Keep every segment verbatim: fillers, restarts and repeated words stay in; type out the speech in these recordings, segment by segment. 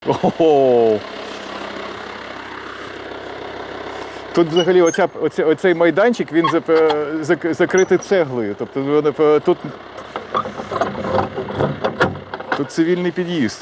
Ого! Тут взагалі оця, оця, оцей майданчик, він закритий цеглою. Тобто тут, тут цивільний під'їзд.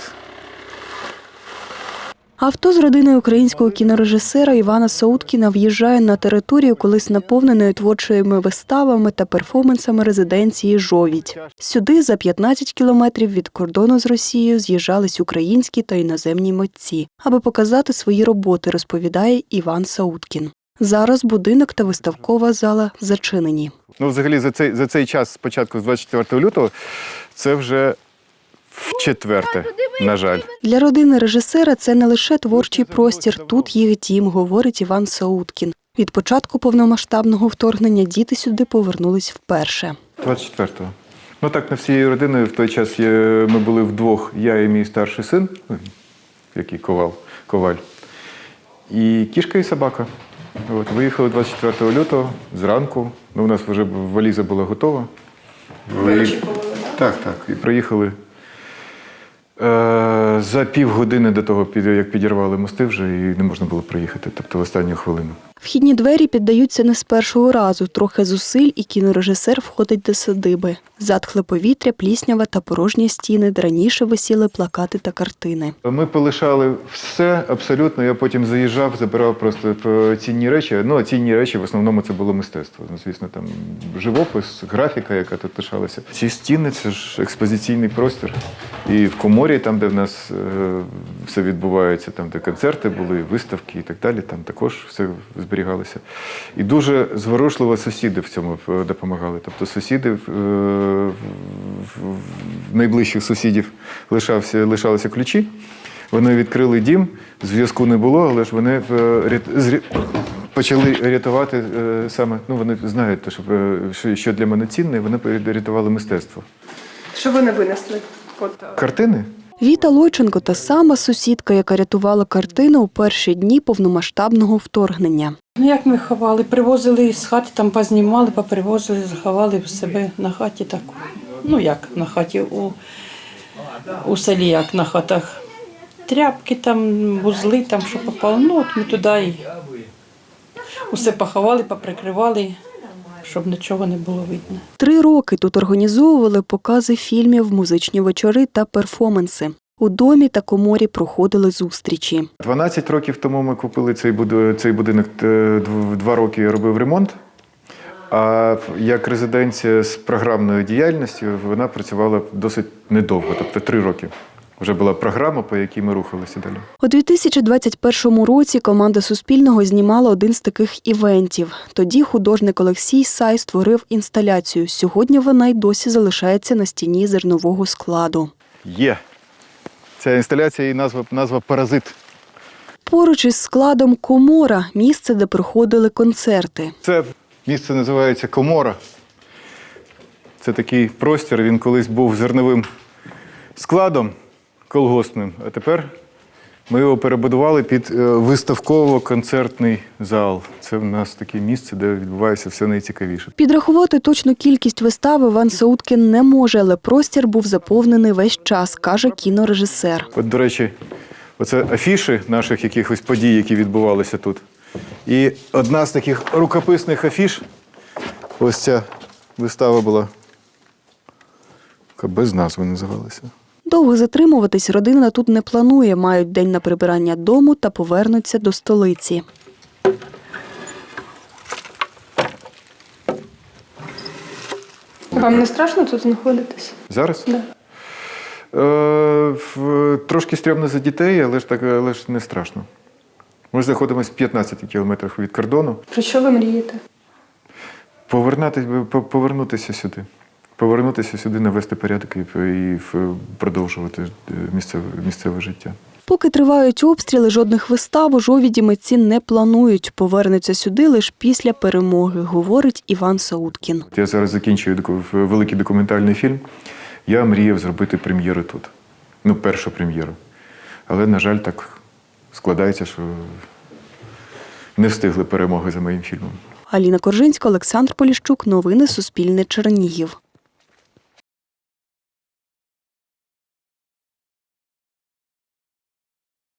Авто з родиною українського кінорежисера Івана Сауткіна в'їжджає на територію колись наповненої творчими виставами та перформансами резиденції «Жовідь». Сюди за п'ятнадцять кілометрів від кордону з Росією з'їжджались українські та іноземні митці, аби показати свої роботи, розповідає Іван Сауткін. Зараз будинок та виставкова зала зачинені. Ну, взагалі, за цей, за цей час, спочатку з двадцять четвертого лютого, це вже вчетверте, на жаль. Для родини режисера це не лише творчий простір, тут їх дім, говорить Іван Сауткін. Від початку повномасштабного вторгнення діти сюди повернулись вперше. двадцять четвертого. Ну так, на всією родиною в той час ми були вдвох, я і мій старший син, який ковал, коваль, і кішка і собака. От, виїхали двадцять четвертого лютого зранку, ну, у нас вже валіза була готова. Ви... Так, так, і приїхали. За півгодини до того, як підірвали мости вже, і не можна було проїхати, тобто в останню хвилину. Вхідні двері піддаються не з першого разу. Трохи зусиль, і кінорежисер входить до садиби. Затхле повітря, пліснява та порожні стіни, де раніше висіли плакати та картини. Ми полишали все абсолютно. Я потім заїжджав, забирав просто цінні речі. Ну, цінні речі в основному це було мистецтво. Ну, звісно, там живопис, графіка, яка тут лишалася. Ці стіни – це ж експозиційний простір. І в коморі, там, де в нас е, все відбувається, там, де концерти були, виставки і так далі, там також все зберігалося. І дуже зворушливо сусіди в цьому допомагали. Тобто сусіди, в найближчих сусідів лишався, лишалися ключі, вони відкрили дім, зв'язку не було, але ж вони почали рятувати саме, ну вони знають, що, що для мене цінне, вони рятували мистецтво. Що вони винесли? От. Картини? Віта Лойченко – та сама сусідка, яка рятувала картини у перші дні повномасштабного вторгнення. Ну, як ми ховали? Привозили з хати, там познімали, попривозили, заховали в себе на хаті так. Ну, як на хаті, у, у селі, як на хатах. Тряпки там, вузли там, що попало. Ну, от ми туди і усе поховали, поприкривали, щоб нічого не було видно. Три роки тут організовували покази фільмів, музичні вечори та перформанси. У домі та коморі проходили зустрічі. дванадцять років тому ми купили цей будинок, цей будинок два роки я робив ремонт. А як резиденція з програмною діяльністю вона працювала досить недовго, тобто три роки. Вже була програма, по якій ми рухалися далі. У дві тисячі двадцять першому році команда Суспільного знімала один з таких івентів. Тоді художник Олексій Сай створив інсталяцію. Сьогодні вона й досі залишається на стіні зернового складу. Є. Ця інсталяція, її назва, назва «Паразит». Поруч із складом комора – місце, де проходили концерти. Це місце називається комора. Це такий простір, він колись був зерновим складом колгоспним, а тепер ми його перебудували під виставково-концертний зал. Це в нас таке місце, де відбувається все найцікавіше. Підрахувати точну кількість вистав Іван Сауткін не може, але простір був заповнений весь час, каже кінорежисер. От, до речі, оце афіші наших якихось подій, які відбувалися тут. І одна з таких рукописних афіш, ось ця вистава була, яка без назви називалася. Довго затримуватись родина тут не планує. Мають день на прибирання дому та повернуться до столиці. Вам не страшно тут знаходитись? Зараз? Да. Е, в, трошки стрьомно за дітей, але ж, так, але ж не страшно. Ми знаходимося в п'ятнадцяти кілометрах від кордону. Про що ви мрієте? Повернутися, повернутися сюди. Повернутися сюди, навести порядок і, і продовжувати місцеве, місцеве життя. Поки тривають обстріли, жодних вистав у Жовіді митці не планують. Повернуться сюди лише після перемоги, говорить Іван Сауткін. Я зараз закінчую великий документальний фільм. Я мріяв зробити прем'єру тут. Ну, першу прем'єру. Але, на жаль, так складається, що не встигли перемоги за моїм фільмом. Аліна Коржинська, Олександр Поліщук. Новини Суспільне. Чернігів.